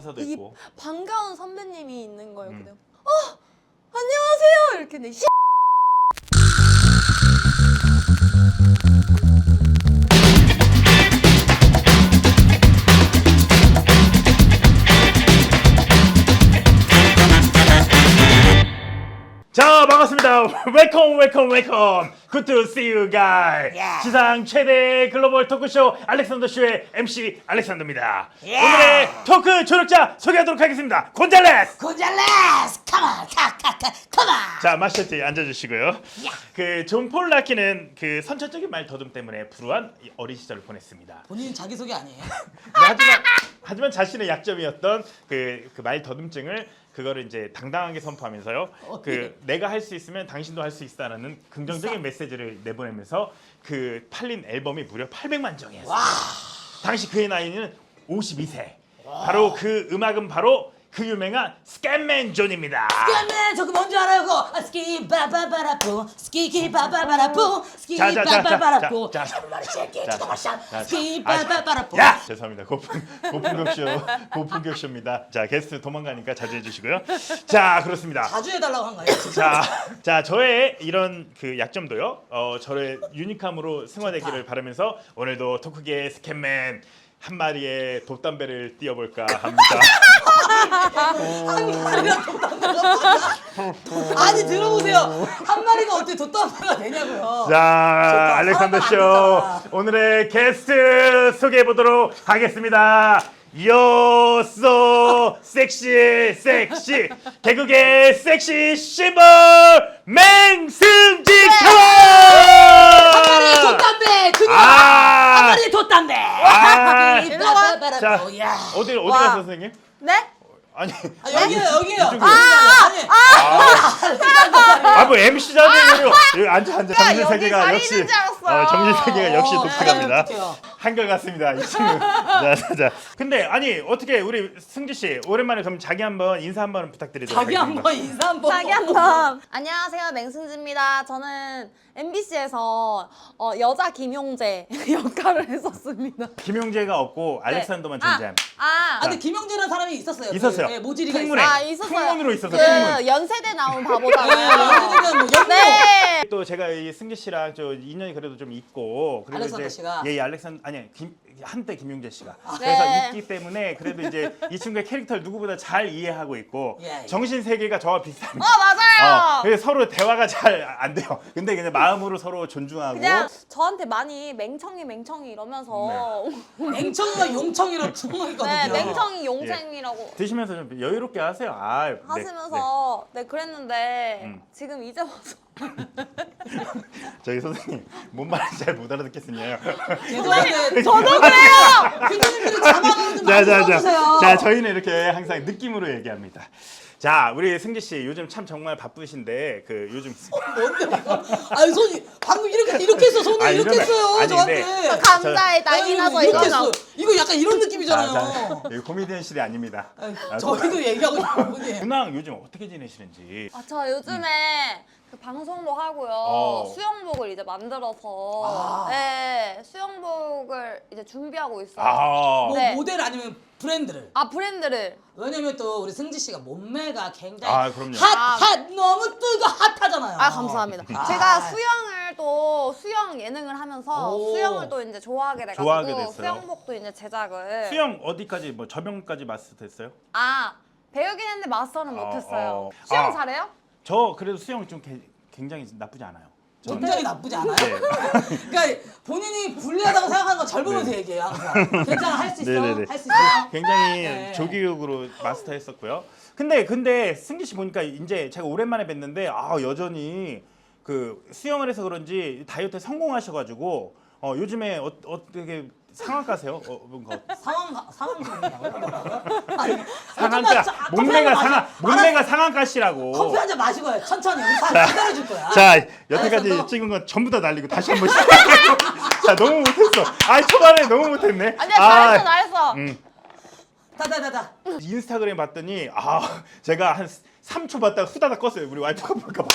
가사도 있고. 반가운 선배님이 있는 거예요. 그냥 안녕하세요 이렇게 내 자, 반갑습니다. 웰컴 웰컴 웰컴. Good to see you guys. 지상 최대 글로벌 토크쇼 알렉산더 쇼의 MC 알렉산더입니다. 오늘의 토크 조력자 소개하도록 하겠습니다. 곤잘레스. 곤잘레스 컴온 컴온. 자, 마셔티 앉아주시고요. 그 존 폴 라키는 그 선천적인 말 더듬 때문에 불우한 어린 시절을 보냈습니다. 본인 자기소개 아니에요? 네, 하지만 자신의 약점이었던 그 말 더듬증을 그거를 이제 당당하게 선포하면서요. 그 내가 할 수 있으면 당신도 할 수 있다라는 긍정적인 메시지를 내보내면서 그 팔린 앨범이 무려 800만 장이었어요. 당시 그의 나이는 52세. 바로 그 음악은 바로 그 유명한 스캔맨 존입니다. 스캔맨 저거 뭔지 알아요? 그거 스키 바바바라뿌 스키키 바바바라뿌 스키 바바바라뿌 스키 바바바라뿌. 야! 죄송합니다. 고품격쇼입니다. 자, 게스트 도망가니까 자제해 주시고요. 자, 그렇습니다. 자주 해달라고 한 거예요? 자, 저의 이런 그 약점도요. 저의 유니크함으로 승화되기를 바라면서 오늘도 토크계의 스캔맨 한 마리의 돛담배를 띄워볼까 합니다. 한 마리가 돛담배가 아니 들어보세요. 한 마리가 어떻게 돛담배가 되냐고요. 자, 알렉산더 쇼 오늘의 게스트 소개해 보도록 하겠습니다. You're so 섹시 개그의 섹시 심벌 맹승지 한 마리의 돛담배 그녀 한 마리의 돛담배. 자, 어디 가서 선생님? 네? 아니 여기에요. 뭐 MC 자리로 앉아 정신 여기 세계가 자리 역시 있는 줄 알았어요. 정신 세계가 역시 독특합니다. 어떡해요. 한결 같습니다. 이 친구. 자. 근데 아니 어떻게 우리 승지 씨 오랜만에 그럼 자기 한번 인사 한번 부탁드리도록 자기 하겠습니다. 한번 인사 한번. 자기 한번 안녕하세요 맹승지입니다. 저는 MBC에서 여자 김용재 역할을 했었습니다. 김용재가 없고 알렉산더만 존재합니다. 근데 김영재라는 사람이 있었어요. 있었어요. 그, 모지리가 풍문에. 있어요. 있었어요. 풍문으로 있었어요. 그 풍문. 연세대 나온 바보잖아요. 연세대는 뭐 연모. 네. 또 제가 이 승지 씨랑 저 인연이 그래도 좀 있고 그리고 알렉산더 씨가? 한때 김용재 씨가 네. 그래서 있기 때문에 그래도 이제 이 친구의 캐릭터를 누구보다 잘 이해하고 있고 예. 정신 세계가 저와 비슷합니다. 맞아요. 그래서 서로 대화가 잘 안 돼요. 근데 그냥 마음으로 서로 존중하고 그냥 저한테 많이 맹청이 이러면서 맹청이가 용청이로 통했거든요. 네, 맹청이 용쟁이라고 드시면서 좀 여유롭게 하세요. 하시면서 네 그랬는데 지금 이제 와서 저기 선생님 뭔 말인지 잘 못 알아듣겠습니다. 죄송한데 저도 그래요. 교수님들이 자막으로 좀 많이 써주세요. 자, 저희는 이렇게 항상 느낌으로 얘기합니다. 자, 우리 승지 씨 요즘 참 정말 바쁘신데 그 요즘 뭔데? 아니 손이 방금 이렇게 했어. 손을 이렇게 이러면- 했어요. 아니, 저한테. 근데 감자에 난리 나서 이렇게 이거죠. 했어. 이거 약간 이런 느낌이잖아요. 여기 코미디언실이 아닙니다. 저희도 얘기하고 싶은 분이에요. 근황 요즘 어떻게 지내시는지. 저 요즘에 그 방송도 하고요. 수영복을 이제 만들어서 네, 수영복을 이제 준비하고 있어요. 뭐 네. 모델 아니면 브랜드를. 브랜드를. 왜냐면 또 우리 승지 씨가 몸매가 굉장히 그럼요. 핫 너무 핫하잖아요. 감사합니다. 제가 수영을 또 수영 예능을 하면서 오. 수영을 또 이제 좋아하게 좋아하게 돼가지고 됐어요. 수영복도 이제 제작을. 수영 어디까지 뭐 저병까지 마스터했어요? 배우긴 했는데 마스터는 못했어요. 어. 수영 잘해요? 저 그래도 수영 좀 굉장히 나쁘지 않아요. 저는. 굉장히 나쁘지 않아요? 네. 그러니까 본인이 불리하다고 생각하는 거 절 보면서 얘기해요 항상. 괜찮아 할 수 있어? 네네네. 할 수 있어? 굉장히 네. 조기육으로 마스터했었고요. 근데 승기 씨 보니까 이제 제가 오랜만에 뵀는데 여전히 그 수영을 해서 그런지 다이어트에 성공하셔가지고 요즘에 어떻게 상한가세요? 뭔가 상황이냐고요? 뭐라고요? 상한가 몸매가 상한가시라고. 커피 한 잔 마시고 요 천천히 우리 사람 기다려줄 거야. 자, 여태까지 알겠어, 찍은 건 전부 다 날리고 다시 한번 시작. 자, 너무 못했어. 초반에 너무 못했네. 아니야 잘했어. 다다다다. 인스타그램 봤더니 제가 한 3초 봤다가 후다닥 껐어요. 우리 와이프가 볼까봐.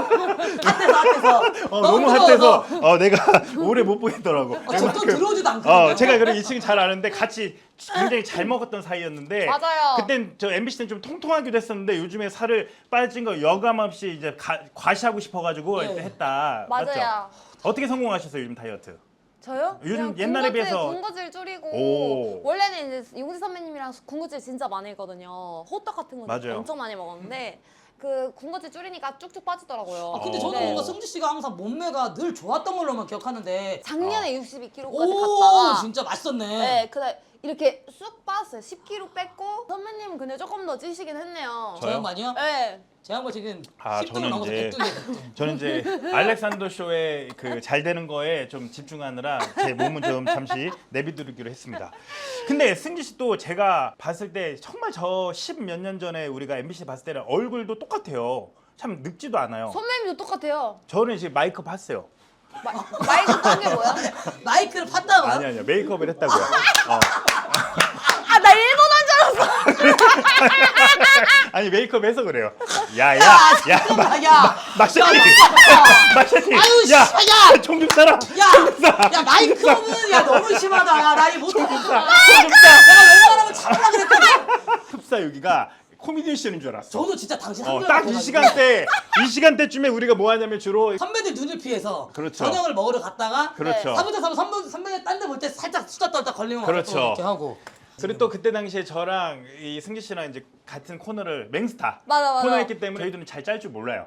앞에서. 너무 핫해서 내가 오래 못 보겠더라고. 저또 들어오지도 않거든요. 제가 그래 2층 잘 아는데 같이 굉장히 잘 먹었던 사이였는데 맞아요. 그땐 저 MBC 때는 좀 통통하기도 했었는데 요즘에 살을 빠진 거 여감 없이 이제 과시하고 싶어가지고 네. 했다. 맞아요. 맞죠? 어떻게 성공하셨어요 요즘 다이어트? 저요? 요즘 그냥 옛날에 비해서 군것질 줄이고 오. 원래는 이제 용지 선배님이랑 군것질 진짜 많이 했거든요. 호떡 같은 거 맞아요. 엄청 많이 먹었는데 그 군것질 줄이니까 쭉쭉 빠지더라고요. 근데 저는 네. 뭔가 승지 씨가 항상 몸매가 늘 좋았던 걸로만 기억하는데. 작년에 62kg까지 오, 갔다가 진짜 맛있었네. 네, 그날 이렇게 쑥 빠졌어요. 10kg 뺐고 선배님은 근데 조금 더 찌시긴 했네요. 저 양반이요? 네. 제 양반 지금 아, 10등을 저는 넘어서 이제 100등이에요. 저는 이제 알렉산더 쇼에 그 잘 되는 거에 좀 집중하느라 제 몸은 좀 잠시 내비두기로 했습니다. 근데 승지 씨 또 제가 봤을 때 정말 저 10 몇 년 전에 우리가 MBC 봤을 때는 얼굴도 똑같아요. 참 늙지도 않아요. 선배님도 똑같아요. 저는 이제 메이크업 했어요. 마이크 딴게 뭐야? 마이크를 팠다고요? 아니요 메이크업을 했다고요. 아, 나 일본 한 줄 알았어. 아니 메이크업 해서 그래요. 야, 막샤티 막샤티 아유, 씨, 야 야! 총좀 쏴라. 야 마이크업은 야 너무 심하다. 야, 나 이거 못하겠어. 총좀 쏴. 내가 웬만하면 참으라 그랬거든. 흡사 여기가 코미디언 씨인 줄 알았어. 저도 진짜 당신 한 딱 이 시간대쯤에 우리가 뭐 하냐면 주로 선배들 눈을 피해서 그렇죠. 저녁을 먹으러 갔다가 그렇죠. 사부대 선배들 딴 데 볼 때 살짝 수다 떨다 걸리면 그렇죠. 와서 또 이렇게 하고. 그리고 또 그때 당시에 저랑 이 승지 씨랑 이제 같은 코너를 맹스타 맞아. 코너했기 때문에 저희들은 잘 짤 줄 몰라요.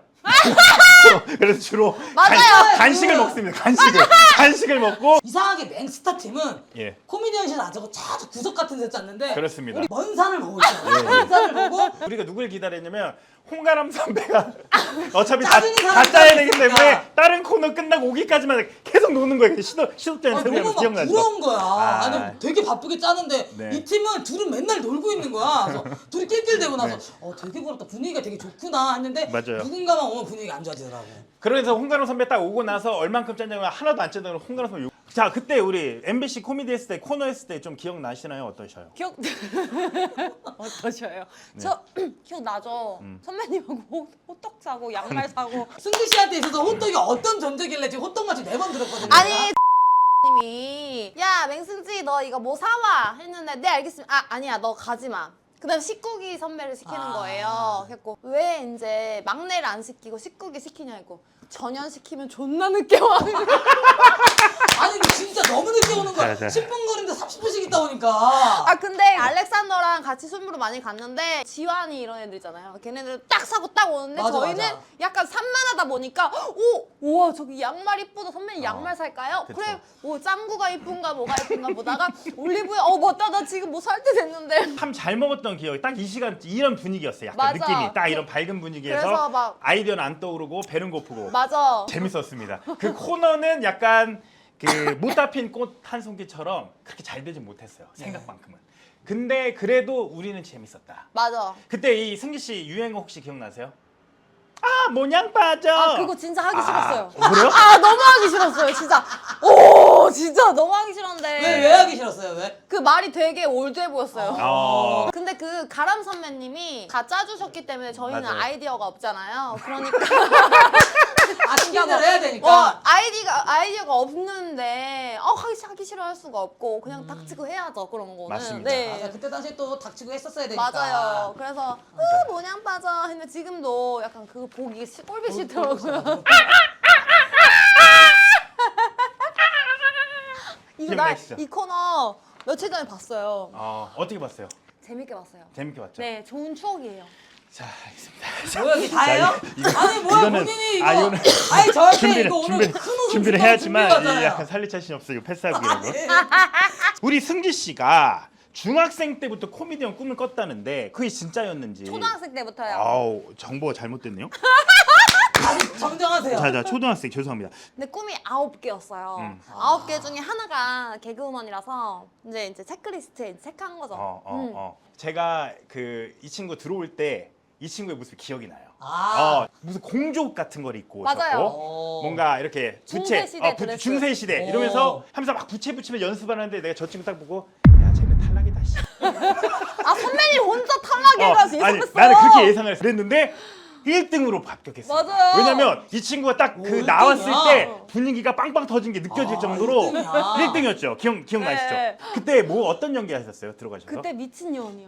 그래서 주로 맞아요. 간식을 먹습니다. 간식을 먹고 이상하게 맹스타 팀은 예. 코미디언실 안 자고 자주 구석 같은 데 짰는데 그렇습니다. 우리 먼 산을 보고 있어요. 먼 산을 보고 우리가 누굴 기다렸냐면 홍가람 선배가 어차피 짜증이 다 사람이 짜야 되기 있으니까. 때문에 다른 코너 끝나고 오기까지만 계속 노는 거예요. 시도 때는 너무 막 기억나죠? 부러운 거야. 아. 아니 되게 바쁘게 짜는데 네. 이 팀은 둘은 맨날 놀고 있는 거야. 그래서 둘이 낄낄대고 나서 되게 부럽다. 분위기가 되게 좋구나 했는데 맞아요. 누군가만 오면 분위기가 안 좋아지더라고. 그래서 홍가람 선배 딱 오고 나서 얼만큼 짰냐면 하나도 안 짰다고 홍가람 선배 자 그때 우리 MBC 코미디 했을 때 코너 했을 때 좀 기억나시나요? 어떠셔요? 기억 어떠셔요? 저 기억나죠. 선배님하고 호떡 사고 양말 사고 승기 씨한테 있어서 호떡이 어떤 존재길래 지금 호떡 맛이 4번 들었거든요. 아니 님이 야 맹승지 너 이거 뭐 사와 했는데 네 알겠습니다. 아니야 너 가지 마. 그다음 식구기 선배를 시키는 거예요. 그래서 왜 이제 막내를 안 시키고 식구기 시키냐고. 전현 시키면 존나 늦게 와. 아니 근데 진짜 너무 늦게 오는 거야. 자. 10분 거리인데 30분씩 있다 오니까. 아 근데 알렉산더랑 같이 술부로 많이 갔는데 지환이 이런 애들 있잖아요. 걔네들 딱 사고 딱 오는데 맞아, 저희는 맞아. 약간 산만하다 보니까 우와 저기 양말 이쁘다 선배님 양말 살까요? 그쵸. 그래 뭐 짱구가 이쁜가 뭐가 이쁜가 보다가 올리브유 맞다 나 지금 뭐 살 때 됐는데 참 잘 먹었던 기억이 딱 이 시간 이런 분위기였어요. 약간 맞아. 느낌이 딱 이런 밝은 분위기에서 그래서 막 아이디어는 안 떠오르고 배는 고프고 맞아. 재밌었습니다. 그 코너는 약간 그 못다 핀 꽃 한 송기처럼 그렇게 잘 되진 못했어요. 생각만큼은. 근데 그래도 우리는 재밌었다. 맞아. 그때 이 승기 씨 유행어 혹시 기억나세요? 아 모냥 빠져. 아 그거 진짜 하기 싫었어요. 그래요? 아 너무 하기 싫었어요 진짜. 오 진짜 너무 하기 싫었는데. 왜 하기 싫었어요? 왜? 그 말이 되게 올드해 보였어요. 어. 근데 그 가람 선배님이 다 짜주셨기 때문에 저희는 맞아요. 아이디어가 없잖아요. 그러니까 스킨을 해야 되니까. 아이디어가 없는데 하기 싫어 할 수가 없고 그냥 닥치고 해야죠 그런 거는. 맞습니다. 네. 맞아, 그때 당시에 또 닥치고 했었어야 되니까. 맞아요. 그래서 모냥 빠져 했는데 지금도 약간 그거 보기 꼴보기 싫더라고요. 이거 기억나시죠? 이 코너 며칠 전에 봤어요. 어떻게 봤어요? 재밌게 봤어요. 재밌게 봤죠? 네, 좋은 추억이에요. 자 알겠습니다. 뭐야 이게 다예요? 아니 뭐야 이거는- 본인이 이거. 이거는 아니 저한테 이거 오늘 준비를 해야지만 준비하잖아요. 이 약간 살릴 자신이 없어요. 패스하기라고. 우리 승지 씨가 중학생 때부터 코미디언 꿈을 꿨다는데 그게 진짜였는지. 초등학생 때부터요. 아우 정보가 잘못됐네요. 아니 정정하세요. 자 초등학생 죄송합니다. 근데 꿈이 9개였어요. 9개 중에 하나가 개그우먼이라서 이제 체크리스트에 체크한 거죠. 제가 그 이 친구 들어올 때 이 친구의 모습이 기억이 나요. 무슨 공족 같은 걸 입고 맞아요. 오셨고 뭔가 이렇게 부채 중세시대 드레스. 중세시대 오. 이러면서 하면서 막 부채 붙이면 연습하는데 내가 저 친구 딱 보고 야 쟤는 탈락이다 씨. 아 선배님 혼자 탈락해가지고 아니 있었어. 나는 그렇게 예상을 했어. 그랬는데 1등으로 합격했어. 맞아요. 왜냐면 이 친구가 딱 그 오, 나왔을 1등이야. 때 분위기가 빵빵 터진 게 느껴질 아, 정도로 1등이야. 1등이었죠. 기억나시죠? 네. 그때 뭐 어떤 연기 하셨어요? 들어가셔서? 그때 미친년이요.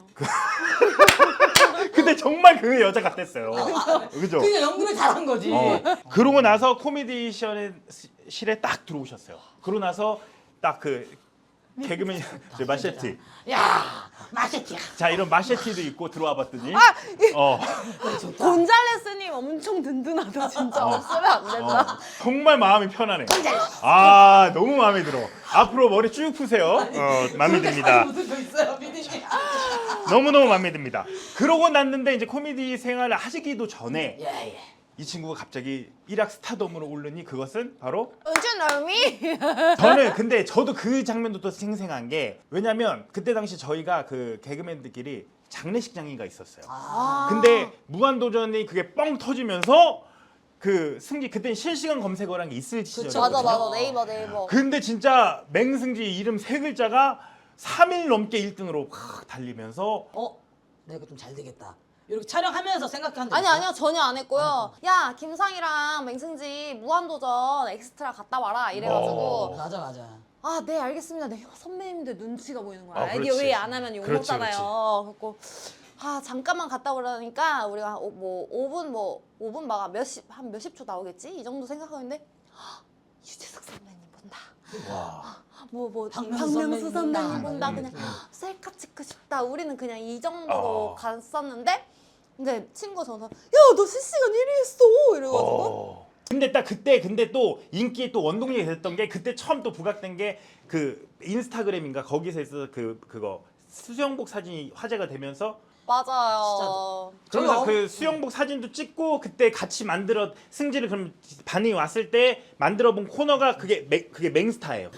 그때 정말 그 여자 같았어요. 그죠? 그냥 연기를 잘한 거지. 그러고 나서 코미디실에 딱 들어오셨어요. 그러고 나서 딱 그 개그맨 마셰티. 야, 마셰티야. 자 이런 마셰티도 입고 들어와 봤더니 아 어, 곤잘레스님 엄청 든든하다 진짜. 없으면 안 된다. 정말 마음이 편하네. 아 너무 마음에 들어. 앞으로 머리 쭉 푸세요. 마음에 듭니다. 무슨 거 있어요, 피디님? 너무너무 마음에 듭니다. 그러고 났는데 이제 코미디 생활을 하시기도 전에 예. 이 친구가 갑자기 일약 스타덤으로 오르니 그것은 바로 은준 얼미? 저는 근데 저도 그 장면도 또 생생한 게 왜냐면 그때 당시 저희가 그 개그맨들끼리 장례식장인가 있었어요. 아. 근데 무한도전이 그게 뻥 터지면서 그 승기 그때 실시간 검색어란 게 있을 시절이거든요. 맞아 네이버. 근데 진짜 맹승지 이름 세 글자가 3일 넘게 1등으로 달리면서 내가 좀 잘 되겠다. 이렇게 촬영하면서 생각한 적 아니 있어요? 아니요 전혀 안 했고요. 야 김상이랑 맹승지 무한도전 엑스트라 갔다 와라 이래가지고 맞아. 아 네 알겠습니다. 내가 선배님들 눈치가 보이는 거야. 아, 이게 그렇지. 왜 안 하면 욕 그렇지, 먹잖아요. 그래갖고 아 잠깐만 갔다 오라니까 우리가 뭐 5분 막 한 몇십 초 나오겠지 이 정도 생각하는데 헉, 유재석 선배님 본다. 와. 뭐 박명수 박명수 선배님 선배님 본다. 본다. 그냥 셀카 찍고 싶다. 우리는 그냥 이 정도로 갔었는데 근데 친구가 전화 야너 실시간 1위 했어 이래가지고 근데 딱 그때 근데 또 인기의 또 원동력이 됐던 게 그때 처음 또 부각된 게 그 인스타그램인가 거기서 있어서 그거 수영복 사진이 화제가 되면서 맞아요. 그러면서 저요? 그 수영복 사진도 찍고 그때 같이 만들어 승지를 그럼 반응이 왔을 때 만들어 본 코너가 그게 맹스타예요.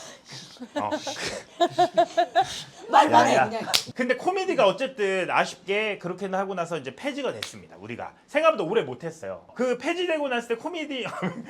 말만 해 야. 그냥. 근데 코미디가 어쨌든 아쉽게 그렇게 하고 나서 이제 폐지가 됐습니다. 우리가 생각보다 오래 못했어요. 그 폐지되고 났을 때 코미디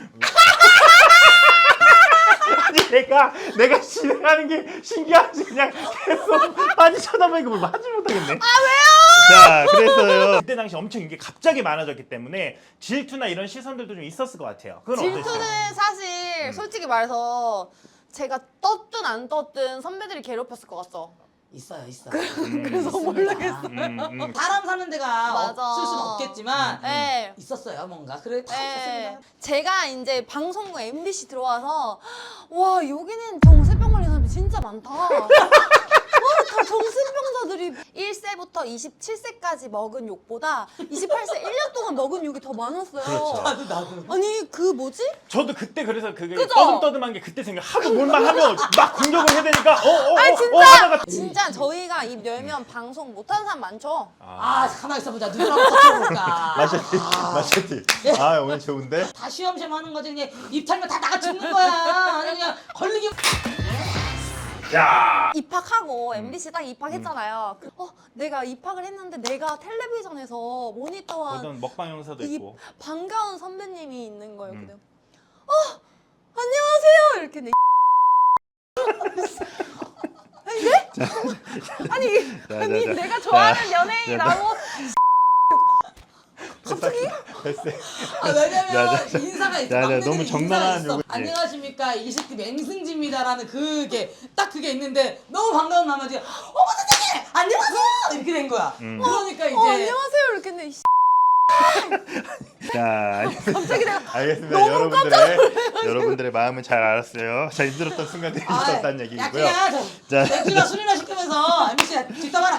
아니 내가 진행하는 게 신기하지 그냥 계속 많이 쳐다보니까 뭘 하지 못하겠네. 아 왜요? 자 그래서요. 그때 당시 엄청 이게 갑자기 많아졌기 때문에 질투나 이런 시선들도 좀 있었을 것 같아요. 그건 어땠어요? 질투는 사실 솔직히 말해서 제가 떴든 안 떴든 선배들이 괴롭혔을 것 같죠. 있어요. 그래서 모르겠어. 사람 사는 데가 맞아. 없을 수는 없겠지만 네. 있었어요 뭔가. 그래 다 네. 있었습니다. 제가 이제 방송국 MBC 들어와서 와 여기는 정신병 걸린 사람이 진짜 많다. 다 정신병자들이 1세부터 27세까지 먹은 욕보다 28세 1년 동안 먹은 욕이 더 많았어요. 그렇죠. 나도. 아니 그 뭐지? 저도 그때 그래서 그게 그죠? 떠듬떠듬한 게 그때 생각 하도 뭘만 하면 막 공격을 해야 되니까 아니 진짜 하다가 진짜 저희가 입 열면 방송 못하는 사람 많죠. 가만히 있어보자. 누구랑 터쳐볼까. 마셰티 아 오늘 좋은데 다 쉬엄쉬엄 하는 거지. 그냥 입 털면 다 나가 죽는 거야. 아니 그냥 걸리기. 야 입학하고 MBC 딱 입학했잖아요. 내가 입학을 했는데 내가 텔레비전에서 모니터한 어떤 먹방 영상도 이 있고 반가운 선배님이 있는 거예요. 근데 안녕하세요 이렇게 내 아니 내가 좋아하는 연예인이 나고 갑자기 됐어. 왜냐면 인사가 있어. 야, 막내들이 너무 정당한 인사가 있어. 요구지. 안녕하십니까 20대 맹승지입니다라는 그게 딱 그게 있는데 너무 반가운 나머지 어머 선생님 안녕하세요 이렇게 된 거야. 그러니까 이제 안녕하세요 이렇게 했는데 자, 갑자기 내가 알겠습니다. 너무 여러분들의 마음은 잘 알았어요. 자, 힘들었던 순간들이 있었다는 얘기고요. 자, 맥주나 술이나 시키면서 MBC 뒷담화라.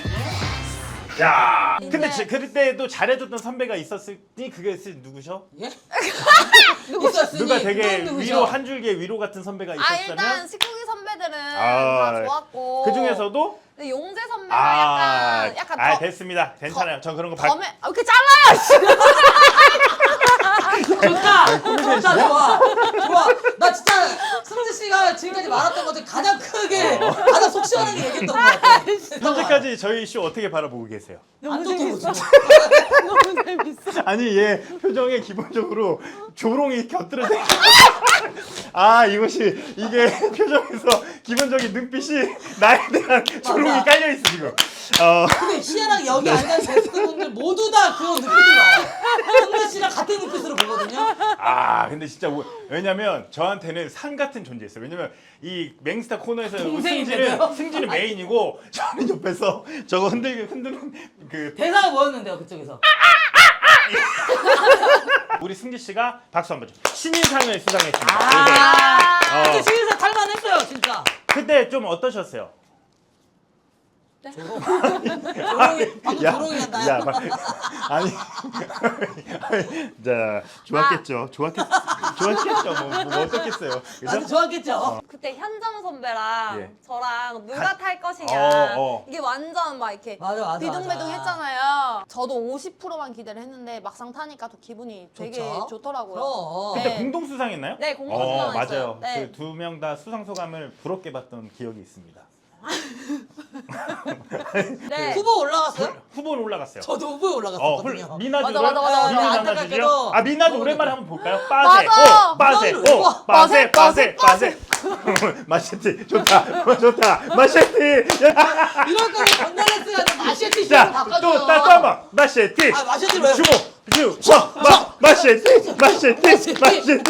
야, 근데 이제- 그때도 잘해줬던 선배가 있었으니 그게 누구셔? 예? 누가 되게 누구죠? 위로 한 줄기의 위로 같은 선배가 일단 있었다면 식구기 선배들은 아, 다 좋았고 그 중에서도 근데 용재 선배가 약간 더 됐습니다. 괜찮아요. 전 그런 거 왜 이렇게 잘라요? 좋다 좋아. 나 진짜 승재 씨가 지금까지 말했던 것 중에 가장 크게 가장 속 시원하게 얘기했던 것 같아. 현재까지 저희 쇼 어떻게 바라보고 계세요? 안 좋게 보죠. 너무 재밌어. 아니 얘 표정에 기본적으로 조롱이 곁들여져. 아 이것이 이게 표정에서 기본적인 눈빛이 나에 대한 조롱이 깔려 있어 지금. 근데 희한하게 여기 앉은 게스트분들 모두 다 그런 느낌이 와요. 승재 씨랑 같은 눈빛으로 보거든요. 아 근데 진짜 왜냐면 저한테는 산 같은 존재였어요. 왜냐면 이 맹스타 코너에서 동생인데요? 승진은 메인이고 저는 옆에서 저거 흔드는 그 대사가 뭐였는데요 그쪽에서? 우리 승지 씨가 박수 한번 줘. 신인상을 수상했습니다. 근데 신인상 탈만했어요 진짜. 그때 좀 어떠셨어요? 방금 조롱이 한다. 야, 아니, 자, 좋았겠죠. 좋았겠죠. 뭐 어떻겠어요. 나도 그죠? 좋았겠죠. 그때 현정 선배랑 예. 저랑 누가 탈 것이냐 어. 이게 완전 막 이렇게 맞아. 비등비등했잖아요. 저도 50%만 기대를 했는데 막상 타니까 또 기분이 되게 좋죠? 좋더라고요. 그럼. 그때 네. 공동 수상했나요? 네, 공동 수상했어요. 맞아요. 네. 그 두 명 다 수상 소감을 부럽게 봤던 기억이 있습니다. 네. 후보 올라갔어요? 후보는 올라갔어요. 저도 후보에 올라갔었거든요. 미나주 맞아. 안타깝게도 미나주 너무 오랜만에 좋아. 한번 볼까요? 빠세 맞아. 빠세 마셰티 좋다 마셰티 이럴 거면 건달레스가 마셰티 씨로 바꿔줘. 자또 한번 마셰티 아, 마셰티를 왜? 주고 마셰티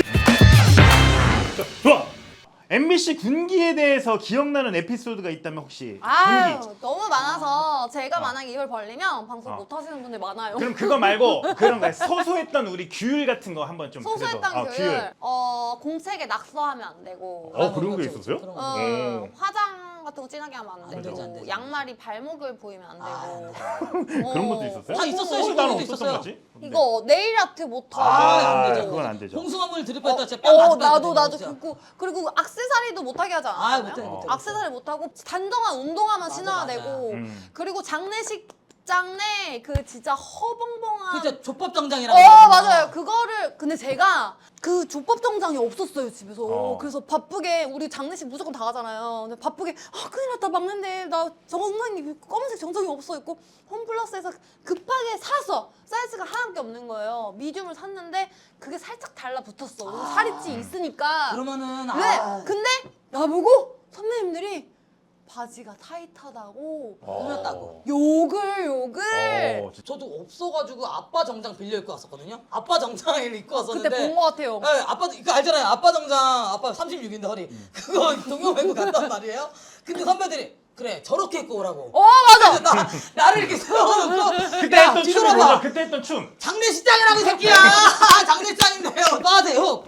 좋아. MBC 군기에 대해서 기억나는 에피소드가 있다면 혹시 아유, 군기 너무 많아서 제가 만약에 입을 벌리면 방송 어. 못 하시는 분들 많아요. 그럼 그거 말고 그런 거 소소했던 우리 규율 같은 거 한번 좀 소소했던 그래도, 교육. 공책에 낙서하면 안 되고. 그런 게 있었어요? 그런 거. 화장 같은 거 진하게 하면 안 되고. 되죠, 안 되죠. 양말이 발목을 보이면 안 되고. 그런 것도 있었어요? 다 있었어요. 나는 시골에도 없었던 있었어요. 거지? 이거 네일 아트 못하고. 안 되죠. 그건 안 되죠. 홍수화물 드립했다 진짜 뺨 맞을 나도 진짜. 그리고 악세사리도 못하게 하지 않았나요? 못해. 악세사리 못하고 단정한 운동화만 맞아, 신어야 맞아. 되고 음. 그리고 장례식장 내 그 진짜 허벙벙한 그죠 족밥 정장이라고. 맞아요. 그거를 근데 제가 그 족밥 정장이 없었어요 집에서. 그래서 바쁘게 우리 장례식 무조건 다 가잖아요. 근데 바쁘게 큰일 났다 막는데 나 정장이 검은색 정장이 없어 있고 홈플러스에서 급하게 사서 사이즈가 하나밖에 없는 거예요. 미디움을 샀는데 그게 살짝 달라붙었어. 살이 찌 있으니까. 그러면은 근데 나보고 선배님들이 바지가 타이트하다고 꾸몄다고. 욕을 저도 없어가지고 아빠 정장 빌려 입고 왔었거든요. 아빠 정장을 입고 왔었는데. 그때 본 거 같아요. 네, 아빠 그거 알잖아요. 아빠 정장 아빠 36인데 허리 그거 동영 입고 갔단 말이에요. 근데 선배들이 그래 저렇게 입고 오라고. 맞아. 나를 이렇게 세워놓고 그때 야, 했던 춤이 뒤돌아봐. 뭐죠? 그때 했던 춤 장례식장이라고 이 새끼야. 장례식장인데요. 빠세요.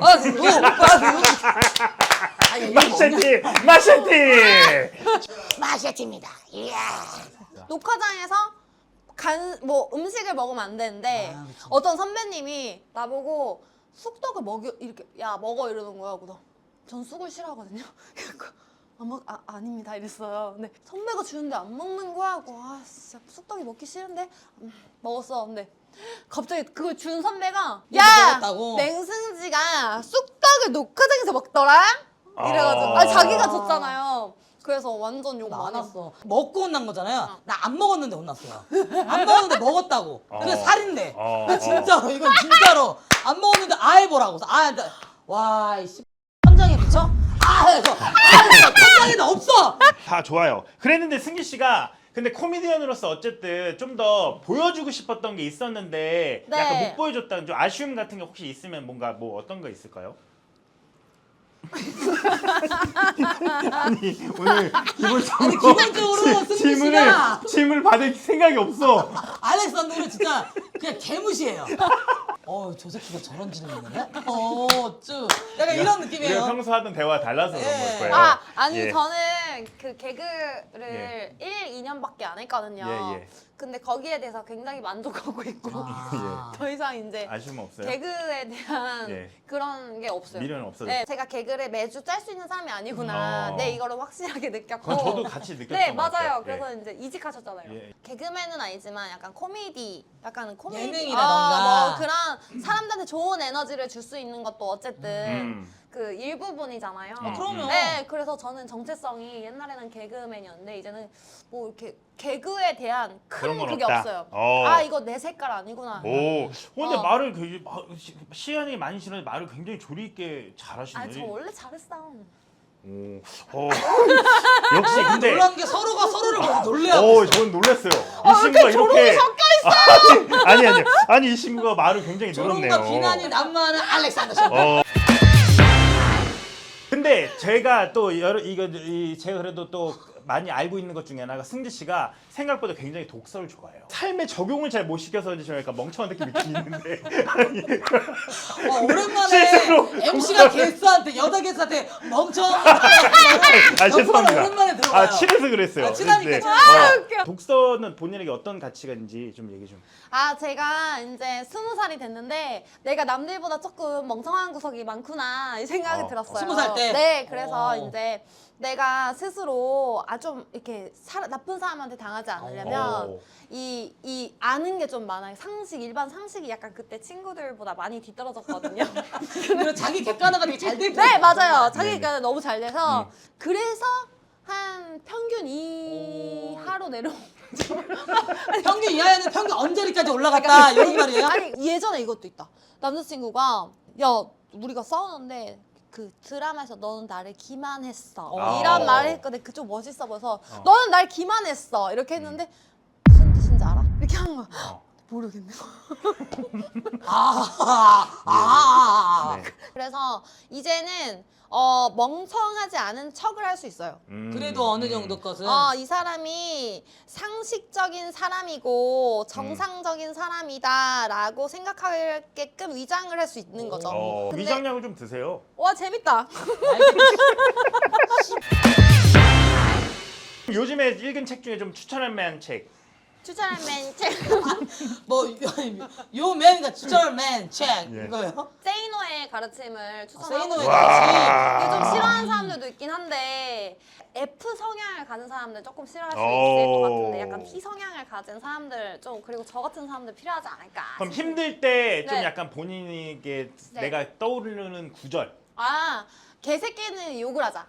마셰티 녹화장에서 음식을 먹으면 안 되는데 그치. 어떤 선배님이 나보고 쑥떡을 이렇게 먹어 이러는 거야. 그래서 전 쑥을 싫어하거든요. 아닙니다 이랬어요. 근데 선배가 주는데 안 먹는 거야. 하고 진짜 쑥떡이 먹기 싫은데 먹었어. 근데 갑자기 그걸 준 선배가 먹었다고? 맹승지가 쑥떡을 녹화장에서 먹더라. 이래가지고 자기가 줬잖아요. 그래서 완전 욕 많이 했어. 많았어. 먹고 혼난 거잖아요. 나 안 먹었는데 혼났어요. 안 먹었는데 먹었다고. 그게 살인데. 나 진짜로 이건 진짜로 안 먹었는데 해보라고. 와 이씨 천장에 미쳐? 천장에도 없어. 다 좋아요. 그랬는데 승기 씨가 근데 코미디언으로서 어쨌든 좀 더 보여주고 싶었던 게 있었는데 네. 약간 못 보여줬다는 좀 아쉬움 같은 게 혹시 있으면 뭔가 어떤 거 있을까요? 아니 오늘 기본적으로 승기 씨가 질문을 받을 생각이 없어. 알렉산더는 진짜 그냥 개무시해요. 저 새끼가 저런 질문이네? 쭉. 약간 이런 느낌이에요. 우리가 평소 하던 대화 달라서 그런 예. 걸 거예요. 아니 예. 저는 저는 그 개그를 1, 2년밖에 안 했거든요. 예. 근데 거기에 대해서 굉장히 만족하고 있고 더 이상 이제 아쉬움 없어요? 개그에 대한 예. 그런 게 없어요. 미련은 없어졌어요? 네, 제가 개그를 매주 짤 수 있는 사람이 아니구나. 네, 이거를 확실하게 느꼈고. 그건 저도 같이 느꼈던 네, 것 맞아요. 같아요. 그래서 이제 이직하셨잖아요. 예. 개그맨은 아니지만 약간 코미디, 약간 코미디, 예능이라던가. 뭐 그런 사람들한테 좋은 에너지를 줄 수 있는 것도 어쨌든 그 일부분이잖아요. 그럼요. 네, 그래서 저는 정체성이 옛날에는 개그맨이었는데 이제는 뭐 이렇게 개그에 대한 그런 큰 건 그게 없다. 없어요. 어. 아, 이거 내 색깔 아니구나. 오, 근데 어. 말을 시간이 많이 지나서 말을 굉장히 조리 있게 아, 잘하시네. 저 원래 잘했어. 오, 역시 근데 놀란 게 서로가 서로를 보고 놀래요. 저는 놀랐어요. 이 친구가 이렇게 아니 이 친구가 말을 굉장히 늘었네요. 조롱과 비난이 난무하는 알렉산더 씨. 근데 제가 또 제가 그래도 또 많이 알고 있는 것 중에 하나가 승지 씨가 생각보다 굉장히 독서를 좋아해요. 삶에 적용을 잘 못 시켜서 좀 약간 멍청한 느낌이 있는데 오랜만에 실제로 MC가 게스트한테 여자 게스트한테 멍청. 죄송합니다. 오랜만에 들어봐요. 친해서 그랬어요. 아, 친하니까 네. 친하니까. 웃겨. 독서는 본인에게 어떤 가치가 있는지 좀 얘기 좀. 아, 제가 이제 20살이 됐는데 내가 남들보다 조금 멍청한 구석이 많구나 이 생각이 들었어요. 20살 때? 네, 그래서 오. 이제 내가 스스로 좀 이렇게 나쁜 사람한테 당하지 않으려면 오. 이 아는 게 좀 많아요. 일반 상식이 약간 그때 친구들보다 많이 뒤떨어졌거든요. 그리고 자기 객관화가 되게 잘 돼. 네, 맞아요. 네네. 자기가 너무 잘 돼서 그래서 한 평균 이하로 내려온 평균 이하에는 평균 언저리까지 올라갔다 이런 말이에요? 아니 예전에 이것도 있다. 남자친구가 야 우리가 싸우는데 그 드라마에서 너는 나를 기만했어 이런 말을 했거든. 그쪽 멋있어 보여서 너는 날 기만했어 이렇게 했는데 무슨 뜻인지 알아? 이렇게 한 거야. 모르겠네. 네. 그래서 이제는 멍청하지 않은 척을 할 수 있어요. 그래도 어느 정도 것은 이 사람이 상식적인 사람이고 정상적인 사람이다라고 생각하게끔 위장을 할 수 있는 거죠. 근데- 위장약을 좀 드세요. 와 재밌다. 요즘에 읽은 책 중에 좀 추천할 만한 책. 추천할 맨 책. 뭐요 맨가 추천할 맨책 예. 이거요? 세이노의 가르침을 추천하고 세이노의 싶어요. 가르침. 이게 좀 싫어하는 사람들도 있긴 한데 F 성향을 가진 사람들 조금 싫어할 수 있을 것 같은데 약간 T 성향을 가진 사람들 좀 그리고 저 같은 사람들 필요하지 않을까. 그럼 힘들 때 좀 네. 약간 본인에게 네. 내가 떠오르는 구절. 개새끼는 욕을 하자.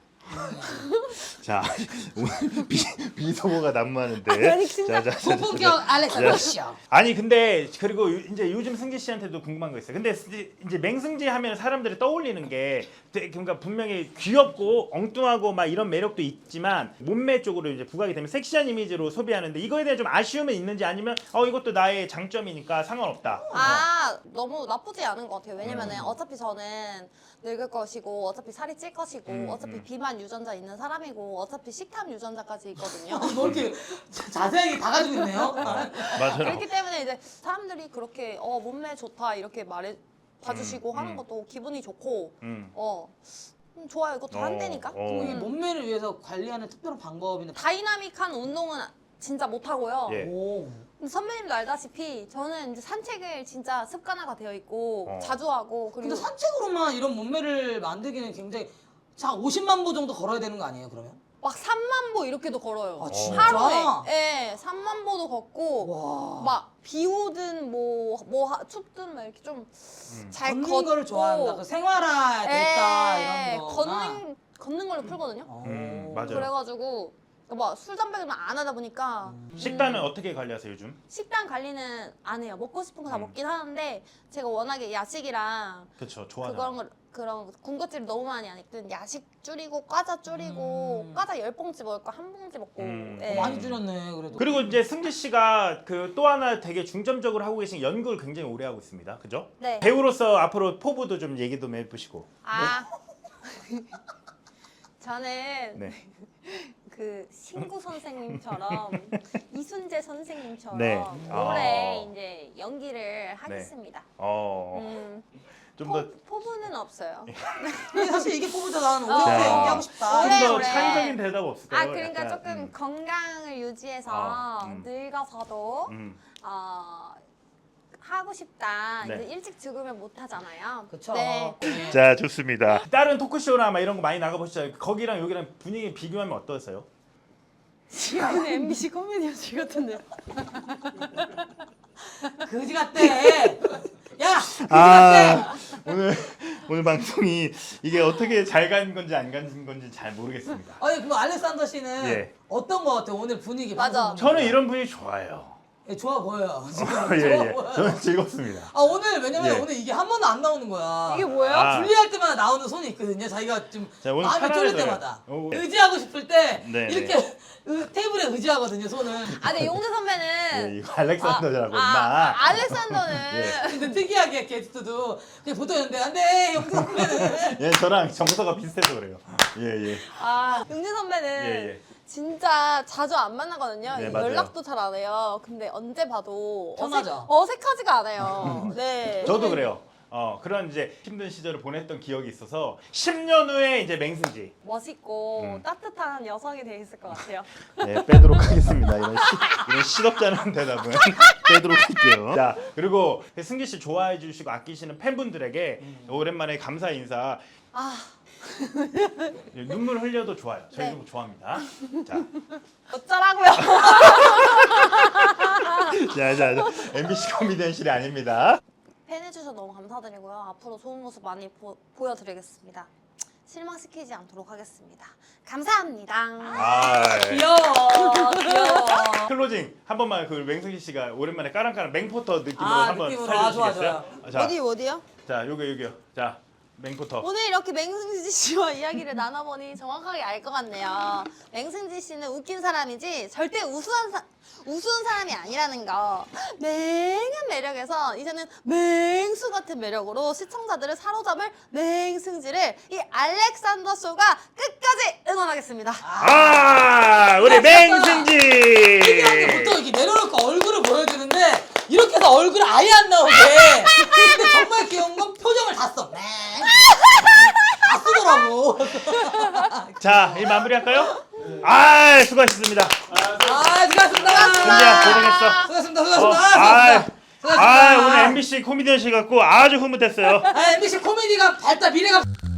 자, 오늘 비속어가 난무하는데. 아니, 진짜. 고품격 알렉산더 씨. 아니 근데 그리고 이제 요즘 승지 씨한테도 궁금한 거 있어요. 근데 이제 맹승지 하면 사람들이 떠올리는 게 그러니까 분명히 귀엽고 엉뚱하고 막 이런 매력도 있지만 몸매 쪽으로 이제 부각이 되면 섹시한 이미지로 소비하는데 이거에 대해 좀 아쉬움은 있는지 아니면 이것도 나의 장점이니까 상관없다. 너무 나쁘지 않은 것 같아요. 왜냐면은 어차피 저는 늙을 것이고 어차피 살이 찔 것이고 어차피 비만 유전자 있는 사람이고 어차피 식탐 유전자까지 있거든요. 뭐 이렇게 자세하게 다 가지고 있네요. 맞아요. 그렇기 때문에 이제 사람들이 그렇게 몸매 좋다 이렇게 말해 봐주시고 하는 것도 기분이 좋고 좋아요. 그것도 한대니까. 이 몸매를 위해서 관리하는 특별한 방법이나 다이나믹한 운동은 진짜 못하고요. 예. 오. 근데 선배님도 알다시피 저는 이제 산책을 진짜 습관화가 되어 있고 어. 자주 하고 그리고 근데 산책으로만 이런 몸매를 만들기는 굉장히 자 50만 보 정도 걸어야 되는 거 아니에요 그러면? 막 3만 보 이렇게도 걸어요. 아 진짜? 하루에. 예, 3만 보도 걷고 와. 막 비 오든 춥든 막 이렇게 좀 잘 걷는 걷고 거를 좋아한다. 그 생활화 됐다 예, 이런 거. 걷는 걸로 풀거든요. 맞아요. 그래가지고 막 술 담배는 안 하다 보니까 식단은 어떻게 관리하세요 요즘? 식단 관리는 안 해요. 먹고 싶은 거 다 먹긴 하는데 제가 워낙에 야식이랑 그렇죠. 좋아하잖아. 그런 군것질을 너무 많이 하니까 야식 줄이고 과자 줄이고 과자 10봉지 먹을 거 1봉지 먹고 예. 많이 줄였네 그래도. 그리고 이제 승지 씨가 그 또 하나 되게 중점적으로 하고 계신 연구를 굉장히 오래 하고 있습니다. 그죠? 네. 배우로서 앞으로 포부도 좀 얘기 좀 해보시고. 저는 네. 그 신구 선생님처럼 이순재 선생님처럼 네. 올해 이제 연기를 하겠습니다. 좀 더 포부는 없어요. 근데 사실 이게 뽑을 때 나는 어. 오래 자. 연기하고 싶다. 오래. 좀 더 오래. 창의적인 대답 없을까요? 아 그러니까 약간, 조금 건강을 유지해서 음. 늙어서도 하고 싶다. 네. 이제 일찍 죽으면 못 하잖아요. 그쵸. 네. 네. 자, 좋습니다. 다른 토크쇼나 막 이런 거 많이 나가보시죠. 거기랑 여기랑 분위기 비교하면 어떠세요? 지금 MBC 코미디언실 같은데. 그지 같대. 야, 그지 아, 같대. 오늘 방송이 이게 어떻게 잘 간 건지 안 간 건지 잘 모르겠습니다. 아니 그럼 알렉산더 씨는 예. 어떤 거 같아 오늘 분위기? 맞아. 방송 저는 분위기가? 이런 분위기 좋아요. 예, 좋아 보여요. 지금 예, 좋아 예. 보여요. 저는 즐겁습니다. 아 오늘 왜냐면 예. 오늘 이게 한 번도 안 나오는 거야. 이게 뭐예요? 아. 분리할 때마다 나오는 손이 있거든요. 자기가 좀 자, 오늘 마음이 쫄릴 편안해져요. 때마다 오. 의지하고 싶을 때 네, 이렇게 테이블에 의지하거든요. 손을. 아 근데 용재 선배는 예, 이거 알렉산더라고 임마. 알렉산더는 예. 근데 특이하게 게스트도 그냥 보통 있는데 안돼 영수 선배는 예, 저랑 정서가 비슷해서 그래요. 예, 예. 용재 선배는 예, 예. 진짜 자주 안 만나거든요. 네, 맞아요. 연락도 잘 안 해요. 근데 언제 봐도 편하죠. 어색하지가 않아요. 네. 저도 그래요. 그런 이제 힘든 시절을 보냈던 기억이 있어서 10년 후에 이제 맹승지 멋있고 따뜻한 여성이 돼 있을 것 같아요. 네, 빼도록 하겠습니다. 이런 시덥지 않은 대답은 빼도록 할게요. 자, 그리고 승기 씨 좋아해 주시고 아끼시는 팬분들에게 오랜만에 감사 인사. 아 눈물 흘려도 좋아요. 저희 네. 도 좋아합니다. 자, 어쩌라고요? 자, MBC 코미디언실이 아닙니다. 팬해주셔서 너무 감사드리고요. 앞으로 좋은 모습 많이 보여드리겠습니다. 실망시키지 않도록 하겠습니다. 감사합니다. 아, 귀여워 귀여워. 클로징 한 번만 그 맹승기 씨가 오랜만에 까랑까랑 맹포터 느낌으로 아, 한번 느낌으로. 살려주시겠어요? 좋아. 자, 어디요? 자, 여기요. 자, 맹포터. 오늘 이렇게 맹승지 씨와 이야기를 나눠보니 정확하게 알 것 같네요. 맹승지 씨는 웃긴 사람이지 절대 우스운 사람이 아니라는 거. 맹한 매력에서 이제는 맹수 같은 매력으로 시청자들을 사로잡을 맹승지를 이 알렉산더 쇼가 끝까지 응원하겠습니다. 우리 특이한 게 맹승지. 보통 이렇게 내려놓고 얼굴을 보여주는데 이렇게 해서 얼굴 아예 안 나오게. 근데 정말 귀여운 건 표정을 다 써. 다 쓰더라고. 자, 이 마무리할까요? 수고하셨습니다. 수고하셨습니다. 승지야, 고생했어. 수고하셨습니다. 오늘 MBC 코미디언실 갖고 아주 흐뭇했어요. MBC 코미디가 밝다 미래가.